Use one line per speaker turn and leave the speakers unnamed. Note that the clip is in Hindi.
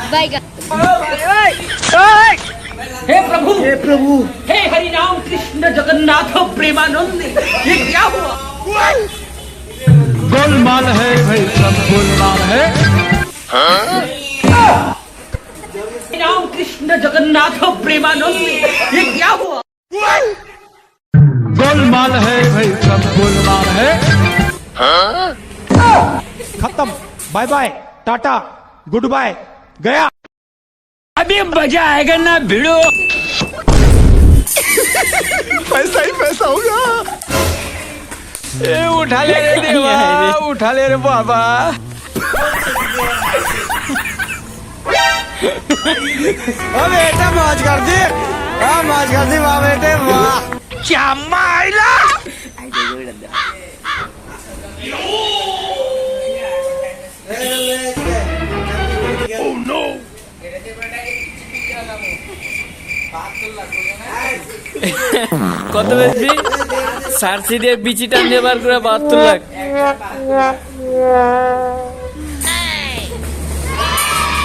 बैगन।
हे प्रभु, हे प्रभु, हे हरि राम कृष्ण जगन्नाथ प्रेमानंद, ये क्या हुआ?
गोलमाल है भाई, सब गोलमाल है।
हरि राम कृष्ण जगन्नाथ प्रेमानंद, ये क्या हुआ?
गोलमाल है भाई, सब गोलमाल है।
खत्म, bye bye, tata, goodbye, गया।
अभी मजा आएगा ना भिड़ो।
पैसा ही पैसा होगा।
उठा ले रे देवा, उठा ले रे बाबा। ओ बेटा मौज कर दी, मौज कर दी वाह बेटे वाह।
क्या माइला?
কত বেশি সার্সি দিয়ে বিচি টান দিয়ে বার করে 72 লাখ।